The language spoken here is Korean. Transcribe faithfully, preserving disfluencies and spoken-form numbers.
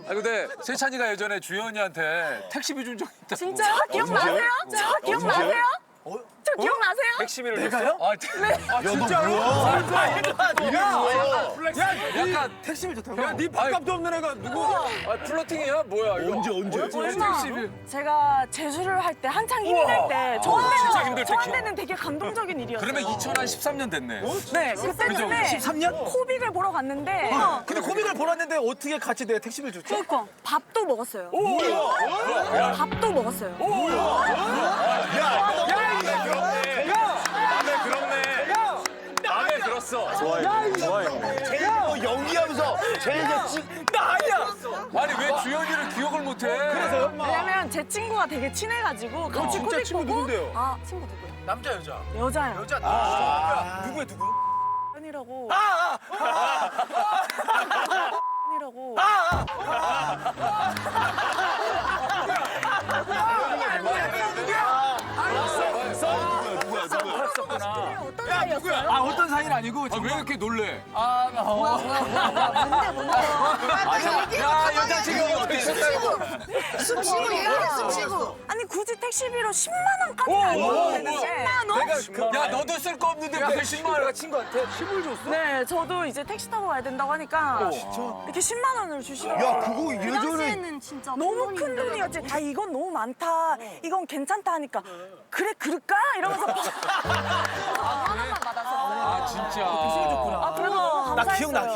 아 근데 세찬이가 예전에 주현이한테 택시비 준 적 있다. 진짜요? 기억나세요? 저 기억나세요? 저 기억나세요? 택시비를 내가요? 아, 네. 아 진짜로? 약간 택시비 좋다고? 야, 네 밥값도 없는 애가 누구? 아, 플러팅이야? 뭐야 이거? 언제 언제? 얼마? 택시비. 제가 재수를 할 때 한창 힘들 때 저한테는 진짜 힘들 때 저한테는 되게 감동적인 일이었어요. 그러면 이천십삼 년 됐네. 네, 그때쯤에 십삼 년? 코빅을 보러 갔는데 근데 코믹을 보았는데 어떻게 같이 내 택시비를 줬지? 그러니까 밥도 먹었어요. 밥도 먹었어요. 마음에 들었네. 마음에 들었어. 좋아해. 좋아해. 제일 뭐 연기하면서 제일 찍. 나 아니야. 아니 왜 주현이를 기억을 못해? 그래서요? 왜냐면 제 친구가 되게 친해가지고 같이 진짜 코빅 친구 보고 누군데요? 아 친구 누구요? 남자 여자. 여자요. 여자 아, 누구야 누구? 현이라고. 아, 현이라고. 누구야 누구야? 어떤 사이였어요? 아 어떤 사이는 아니고 아, 왜 이렇게 놀래? 아, 어. 뭔데 뭔데? 야 여자친구 어떻게 숙취고 얘기해 숙취고. 아니 굳이 택시비로 십만 원까지는 안 줘도 되는데. 십만 원? 야 너도 쓸 거 없는데 무슨 십만 원? 친구한테 힘을 줬어? 네, 저도 이제 택시 타고 가야 된다고 하니까 이렇게 십만 원을 주시더라고요. 야 그거 예전에 당시에는 진짜 너무 큰 돈이었지. 아 이건 너무 많다. 이건 괜찮다 하니까 그래 그럴까? 이러면서 만 원만 받아서. 아 진짜. 아 그래도 너무 나 감사했어요. 기억나.